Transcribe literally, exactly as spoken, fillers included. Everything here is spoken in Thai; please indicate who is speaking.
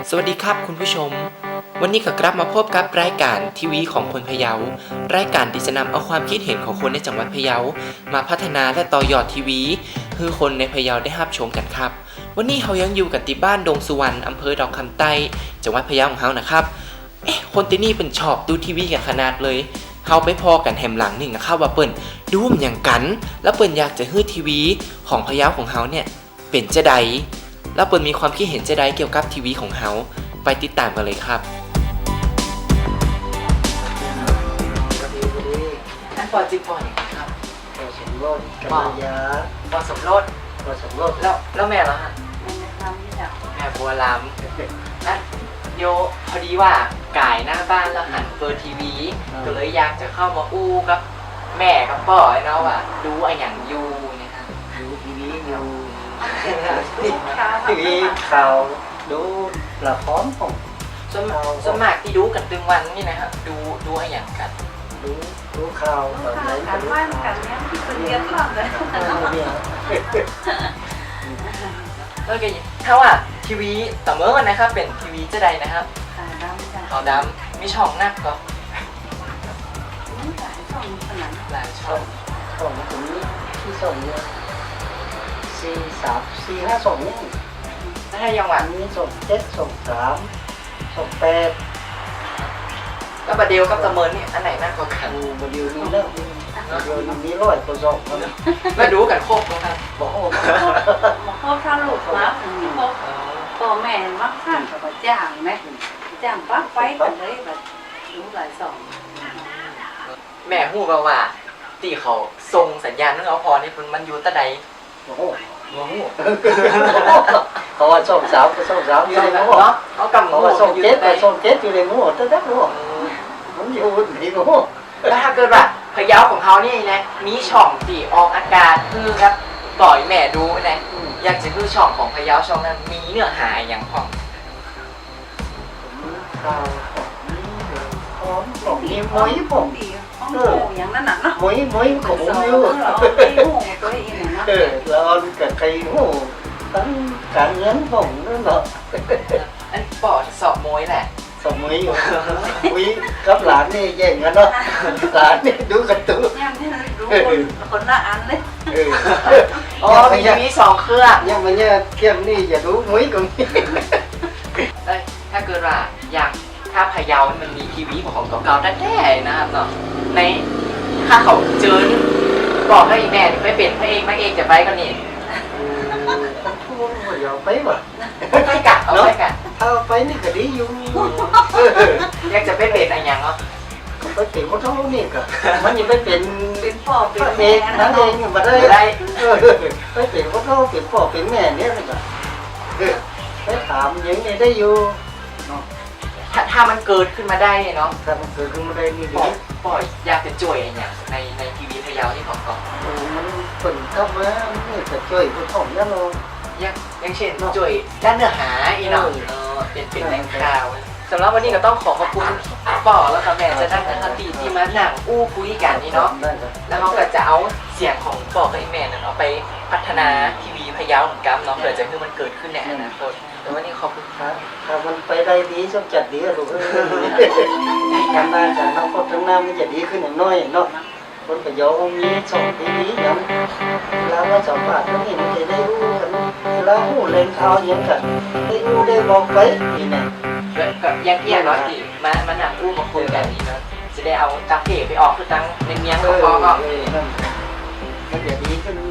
Speaker 1: สวัสดีครับคุณผู้ชมวันนี้ก็กลับมาพบกับรายการทีวีของคนพะเยารายการที่จะนำเอาความคิดเห็นของคนในจังหวัดพะเยามาพัฒนาและต่อยอดทีวีให้คนในพะเยาได้รับชมกันครับวันนี้เรายังอยู่กันที่บ้านดงสุวรรณอำเภอดอกคำใต้จังหวัดพะเยาของเรานะครับเอ๊ะคนที่นี่เป็นชอบดูทีวีกันขนาดเลยเขาไปพอกันแหมหลังหนึ่งนะครับว่าเปิ้นดูมอย่างกันแล้วเปิ้นอยากจะฮื้อทีวีของพะเยาของเขาเนี่ยเป็นจะใดแล้วเปิ้นมีความคิดเห็นจะใดเกี่ยวกับทีวีของเขาไปติดตามกันเลยครับอันปอจิปออย่างครับ
Speaker 2: ปอสมรสกัลยา
Speaker 1: ปอสมรส
Speaker 2: ปอสมรส
Speaker 1: แล้วแล้วแม่เหรอฮะ
Speaker 3: แม่ทำนี่แหละ
Speaker 1: แม่บัวลำอ่ะโยพอดีว่ากายหน้าบ้านเราหันเปิดทีวีก็เลยอยากจะเข้ามาอู้กับแม่กับพ่อไอ้เนาะว่าดูไอ้อย่างยูเนี่ยฮะ
Speaker 2: ดูทีวีอยู่
Speaker 3: ที
Speaker 2: วีข่าวดูละครของ
Speaker 1: สมสมากที่ดูกันตึงวันนี่นะฮะดูดูไอ้อย่างกัน
Speaker 2: ดูดูข่าวแบบไหน
Speaker 3: การบ้านกันเนี้ยที่เป็นเรียนก่อนเลย
Speaker 1: แล้วก็ถ้าว่าทีวีต่อเมื่อวันนะครับเป็นทีวีจะใดนะครับ
Speaker 3: ขาวดำจ้ะ
Speaker 1: ขาวดำมีช่องนักก็
Speaker 3: หลายช่องขนาด
Speaker 1: หลายช่อง
Speaker 2: ของตรงนี้ที่ส่งเนี่ยสี่สามสี่ห้าส่งนี่
Speaker 1: ถ้ายังหวาน
Speaker 2: นี้ส่งเจ็ดส่งสามส่งแปด
Speaker 1: ก็บาเดียวกับตะเมินนี่อันไหนน่ากว่ากัน
Speaker 2: บาเดียวนี่เลิกบาเดียวนี่ร้อยกว่าส่ง
Speaker 1: แล้วดูกันครบนะครับ
Speaker 2: บอกโอ้
Speaker 3: มาครบถ้าลูกมาครบพ่อแม่มักขั้นกับจ้างไหมจ้างปั๊บไปกันเลยแบบดูหลายสอง
Speaker 1: แม่หู้ว่าว่าตีเขาส่งสัญญาณนึกเอาพอนี่มันอยู่ตะใด
Speaker 2: โอ้โหโอ้โหเขาว่าส่งสาวก็ส่งสาวอยู่ในหม้อ
Speaker 1: เขากำ
Speaker 2: เขาว่าส่งเจ็ดก็ส่งเจ็ดอยู่ในหม้อตั้งแต่หม้อมันอยู่ในหม้อ
Speaker 1: แล้วถ้าเกิดว่าพะเยาของเขานี่นะมีช่องตีออกอากาศคือครับปล่อยแม่ดูนะอยากจะคือช่องของพะเยาช่องนั้นมีเนื้อหาอย่างของ
Speaker 2: ข่าวของของมีมวยผม
Speaker 3: เอออย่างนั้นน่ะเนาะ
Speaker 2: มวยมวยของผมอยู่เออแล้วกับใครโอ้ตั้งการเงินผมนั่นเหรอ
Speaker 1: อันปอดสอบมวยแหละ
Speaker 2: สอบมวยอยู่มวยกับหลานนี่แย่งกันเนาะหลานนี่ดูกันตัว
Speaker 3: ยังไม่รู้คนละอันเลย
Speaker 1: อ๋อมีทีวีสองเครื่อง
Speaker 2: ยังไม่เนี่ยเที่ยงนี่อย่าดูมวยกัน
Speaker 1: ถ้าเกิดว่าอยากถ้าพะเยามันมีทีวีของเก่าๆแท้ๆนะครับเนาะในถ้าเขาเจอบอกให้แม่ไปเป็นพระเอกพระเอกจะไปกันนี่
Speaker 2: พูดว่าอย่าไปว่ะ
Speaker 1: ไปกัดเอาไปกัด
Speaker 2: ถ้าไปนี่ก็ดีอยู่
Speaker 1: อยากจะไปเป็นอะไรอย่างเนาะ
Speaker 2: ไปเป็นคนท้องนี่ก็มันยังไปเป็น
Speaker 3: เป็นพ่อเป็น
Speaker 2: แม่นั่นเองมาได้ได้ไปเป็นคนท้องเป็นพ่อเป็นแม่เนี่ยนี่ก็ไปถามยังไงได้อยู่
Speaker 1: ถ้าถ้ามันเกิดขึ้นมาได้เนาะ
Speaker 2: ถ้ามันเกิดขึ้นมาได้นี่ดี
Speaker 1: ปล่อยอยากจะจ่วยอย่างในในทีวีพะเยาที่ของก่อน
Speaker 2: โอ้มันเปิดเข้ามาไม่จะจ่วยผู้ถ่อมนั่นเลย
Speaker 1: อย่างอย่างเช่นจ่วยด้านเนื้อหาอีเนาะเออเป็นเป็นแหล่งข่าวสำหรับวันนี้ก็ต้องขอขอบคุณป่อแล้วค่ะแม่จะนั่งทันทีที่มานั่งอู้คุยกันนี่เนาะแล้วเขาก็จะเอาเสียงของป่อกับแม่นั่นเอาไปพัฒนาทีวีพะเยาเหมือนกันเนาะเผื่อจะให้มันเกิดขึ้นในอนาคตแต่วันนี้ขอบคุณครับ
Speaker 2: ถ้ามันไปได้ดีต้องจัดดีอะลูกเอ้ยทำมาจากน้องพ่อทั้งน้ำมันจะดีขึ้นอย่างน้อยเนาะคนพะเยามีสองทีวีอย่างแล้วว่าสองบาทนั่นเองมันจะได้รู้กันแล้วหูเล่นข่าวยังกันได้รู้ได้บอกไปนี่ไง
Speaker 1: ก็ยังเอียงเนาะที่มามานั่งอู้มาคุยกันนี่เนาะจะได้เอาตังเก๋ไปออกคือตังในเมียงของพ่อก็
Speaker 2: มันจะดีขึ้น